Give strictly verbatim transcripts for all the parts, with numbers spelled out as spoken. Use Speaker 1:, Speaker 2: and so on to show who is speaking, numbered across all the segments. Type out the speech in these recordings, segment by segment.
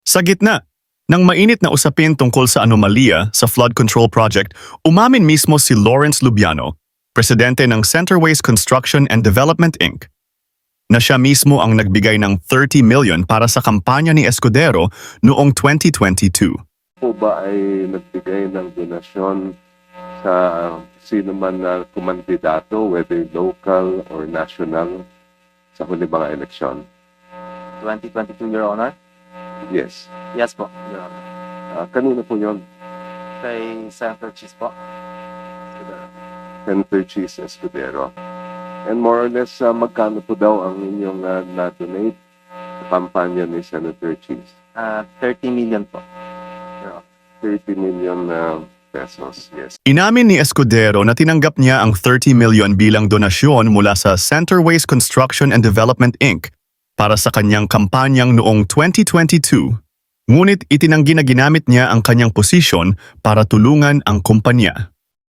Speaker 1: Sa gitna ng mainit na usapin tungkol sa anomalya sa flood control project, umamin mismo si Lawrence Lubiano, presidente ng Centerways Construction and Development Incorporated, na siya mismo ang nagbigay ng thirty million para sa kampanya ni Escudero noong twenty twenty-two.
Speaker 2: Po ba ay nagbigay ng donasyon sa sino man na kumandidato, whether local or national, sa huli mga eleksyon?
Speaker 3: twenty twenty-two, Your Honor?
Speaker 2: Yes.
Speaker 3: Yes po, Your Honor.
Speaker 2: Uh, kanino po yun?
Speaker 3: Kay Senator Cheese po.
Speaker 2: Senator Cheese Escudero. And more or less, uh, magkano po daw ang inyong uh, na-donate sa kampanya ni Senator Cheese?
Speaker 3: Uh, thirty million po.
Speaker 2: thirty million uh, pesos, yes.
Speaker 1: Inamin ni Escudero na tinanggap niya ang thirty million bilang donasyon mula sa Centerways Construction and Development Incorporated para sa kanyang kampanyang noong twenty twenty-two. Ngunit itinanggi na ginamit niya ang kanyang posisyon para tulungan ang kumpanya.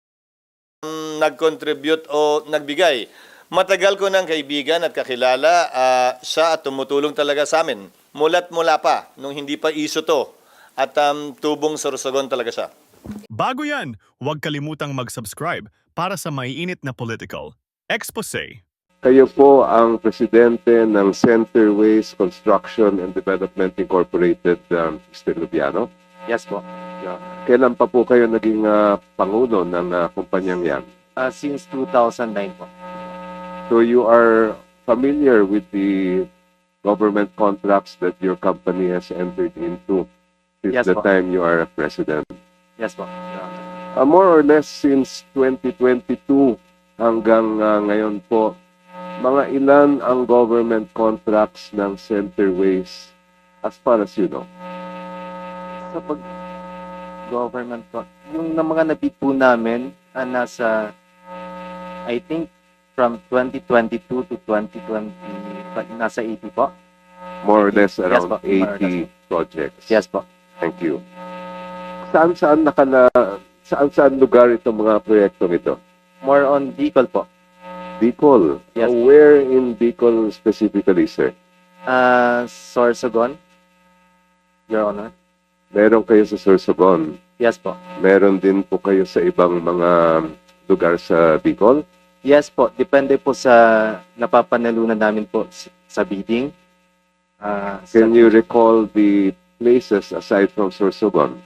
Speaker 4: Nag-contribute o nagbigay. Matagal ko ng kaibigan at kakilala, uh, siya at tumutulong talaga sa amin. Mula't mula pa, nung hindi pa iso to. At um, tubong sorsogon talaga siya.
Speaker 1: Bago yan, huwag kalimutang mag-subscribe para sa maiinit na political expose.
Speaker 2: Kayo po ang presidente ng Centerways Construction and Development Incorporated, um, Mister Lubiano.
Speaker 3: Yes po.
Speaker 2: Yeah. Kailan pa po kayo naging uh, pangulo ng uh, kumpanyang yan?
Speaker 3: Uh, since two thousand nine po.
Speaker 2: So you are familiar with the government contracts that your company has entered into since
Speaker 3: Yes,
Speaker 2: the
Speaker 3: po.
Speaker 2: time you are a president.
Speaker 3: Yes po, Your Honor.
Speaker 2: Uh, more or less since twenty twenty-two hanggang uh, ngayon po, mga ilan ang government contracts ng Centerways as far as you know?
Speaker 3: Sa pag government po, yung na mga nabid po namin, uh, nasa, I think, from twenty twenty-two to twenty twenty, nasa eighty po.
Speaker 2: More or less
Speaker 3: Yes,
Speaker 2: around
Speaker 3: po. More or less
Speaker 2: eighty projects.
Speaker 3: Yes po.
Speaker 2: Thank you. Saan-saan nakala, saan-saan lugar itong mga proyektong ito?
Speaker 3: More on Bicol po.
Speaker 2: Bicol.
Speaker 3: Yes.
Speaker 2: Uh, where in Bicol specifically, sir?
Speaker 3: Uh, Sorsogon, Your Honor.
Speaker 2: Meron kayo sa Sorsogon.
Speaker 3: Yes po.
Speaker 2: Meron din po kayo sa ibang mga lugar sa Bicol.
Speaker 3: Yes po, depende po sa napapanalunan namin po s- sa bidding. Ah, sa-
Speaker 2: Can you recall the places aside from Sorsogon?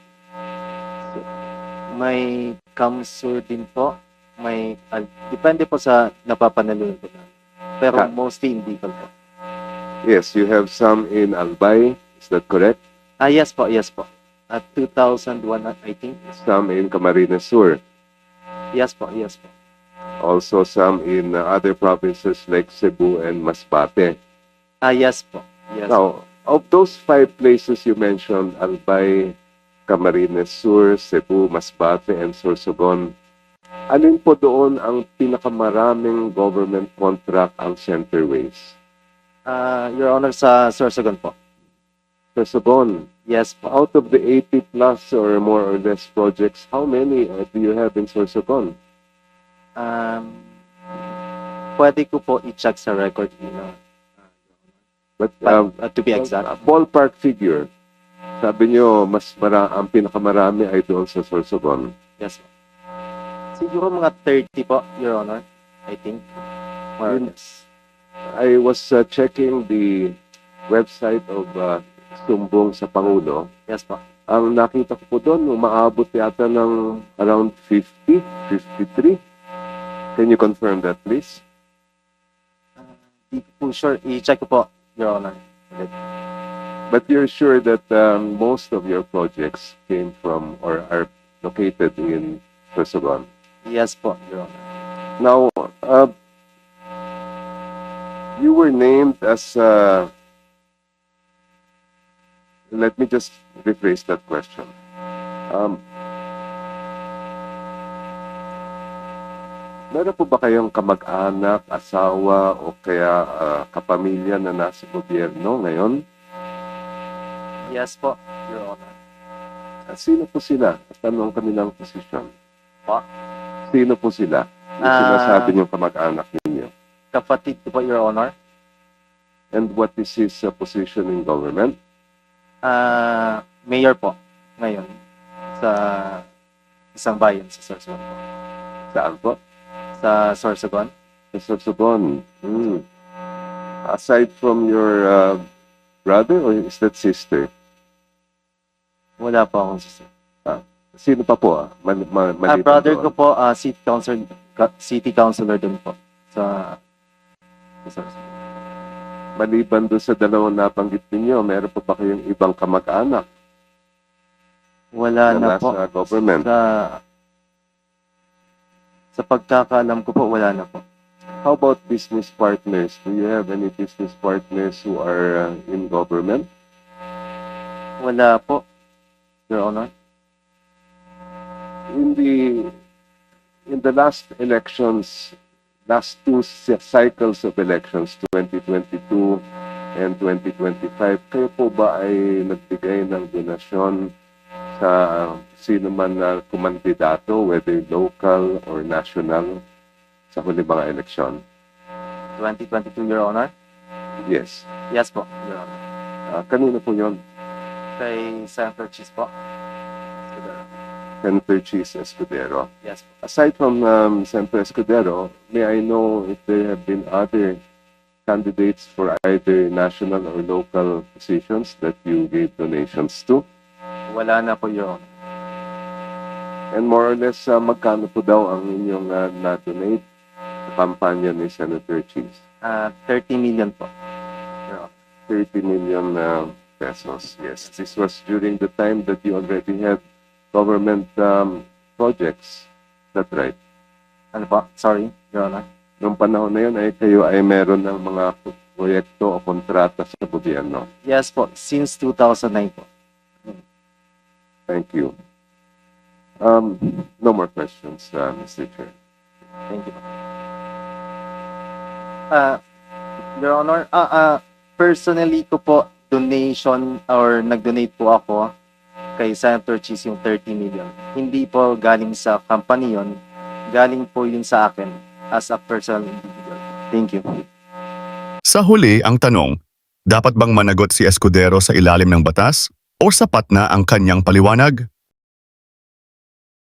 Speaker 3: May Kamsur din po. May, ah, depende po sa napapanalunan po namin. Pero
Speaker 2: Ah.
Speaker 3: mostly in Bicol po.
Speaker 2: Yes, you have some in Albay. Is that correct?
Speaker 3: Ah, yes po, yes po. At two thousand one, I think.
Speaker 2: Some in Camarines Sur.
Speaker 3: Yes po, yes po.
Speaker 2: Also some in uh, other provinces like Cebu and Masbate.
Speaker 3: Ah, yes po. Yes po.
Speaker 2: Now, of those five places you mentioned, Albay, Camarines Sur, Cebu, Masbate, and Sorsogon, alin po doon ang pinakamaraming government contract ang Centerways?
Speaker 3: Ah, Your Honor, sa Sorsogon po.
Speaker 2: Sorsogon,
Speaker 3: Yes po.
Speaker 2: out of the eighty plus or more or less projects, how many uh, do you have in Sorsogon?
Speaker 3: Um, pwede ko po i-check sa record you know,
Speaker 2: But
Speaker 3: but,
Speaker 2: um,
Speaker 3: uh, to be exact.
Speaker 2: a ballpark figure, sabi nyo, mas mara ang pinakamarami ay doon sa Sorsogon.
Speaker 3: Yes po. Siguro mga thirty po, Your Honor. I think. More or
Speaker 2: Yun.
Speaker 3: less.
Speaker 2: I was uh, checking the website of uh, Sumbong sa Pangulo.
Speaker 3: Yes po.
Speaker 2: Ang nakita ko po doon, umaabot yata ng around fifty, fifty-three. Can you confirm that, please?
Speaker 3: Di ko po sure. I-check ko po, Your Honor. Ulit.
Speaker 2: But you're sure that um, most of your projects came from or are located in Sorsogon.
Speaker 3: Yes po, Your Honor.
Speaker 2: Now, uh, you were named as, uh, let me just rephrase that question. Um, meron po ba kayong kamag-anak, asawa, o kaya uh, kapamilya na nasa gobyerno ngayon?
Speaker 3: Yes po, Your Honor.
Speaker 2: Uh, sino po sila? At ano ang kanilang posisyon?
Speaker 3: Pa?
Speaker 2: Sino po sila? Yung
Speaker 3: Ah.
Speaker 2: sinasabi niyong kamag-anak ninyo.
Speaker 3: Kapatid ko po, Your Honor.
Speaker 2: And what is his uh, position in government?
Speaker 3: Ah, mayor po ngayon sa isang bayan sa Sorsogon po.
Speaker 2: Saan po?
Speaker 3: Sa Sorsogon.
Speaker 2: Sa Sorsogon. Hmm. Aside from your uh, brother or is that sister?
Speaker 3: Wala po akong sister.
Speaker 2: Sino pa po? Ah? Man, ma,
Speaker 3: Ah,
Speaker 2: maliban
Speaker 3: brother
Speaker 2: doon.
Speaker 3: ko po, ah, city council, ka- city councilor din po sa, sa Sorsogon.
Speaker 2: Maliban doon sa dalawang nabanggit ninyo, meron pa ba kayong ibang kamag-anak
Speaker 3: Wala
Speaker 2: na
Speaker 3: na po.
Speaker 2: nasa government?
Speaker 3: Sa, sa pagkakaalam ko po, wala na po.
Speaker 2: How about business partners? Do you have any business partners who are uh, in government?
Speaker 3: Wala po, Your Honor.
Speaker 2: In the in the last elections, last two cy- cycles of elections, twenty twenty-two and twenty twenty-five, kayo po ba ay nagbigay ng donasyon sa sino man na kumandidato, whether local or national, sa huli mga eleksyon?
Speaker 3: twenty twenty-two, Your Honor?
Speaker 2: Yes.
Speaker 3: Yes po, Your Honor.
Speaker 2: Uh, kanino po yun?
Speaker 3: Kay Senator Cheese po.
Speaker 2: Senator Cheese Escudero.
Speaker 3: Yes po.
Speaker 2: Aside from um, Senator Escudero, may I know if there have been other candidates for either national or local positions that you gave donations to?
Speaker 3: Wala na po, Your Honor.
Speaker 2: And more or less, uh, magkano po daw ang inyong uh, na-donate sa kampanya ni Senator Cheese?
Speaker 3: Ah, thirty million po, Your Honor.
Speaker 2: thirty million uh, pesos. Yes, this was during the time that you already had government um, projects. That's right.
Speaker 3: Ano po? Sorry, Your Honor.
Speaker 2: Noong panahon na yun, ay kayo ay meron ng mga proyekto o kontrata sa gobyerno.
Speaker 3: Yes po, since two thousand nine po.
Speaker 2: Thank you. Um, no more questions, uh, Mister Chair.
Speaker 3: Thank you. Ah, Your Honor, ah, ah, personally ko po, donation or nag-donate po ako kay Senator Cheese yung thirty million. Hindi po galing sa company yon, galing po yun sa akin as a personal individual. Thank you.
Speaker 1: Sa huli ang tanong, dapat bang managot si Escudero sa ilalim ng batas o sapat na ang kanyang paliwanag?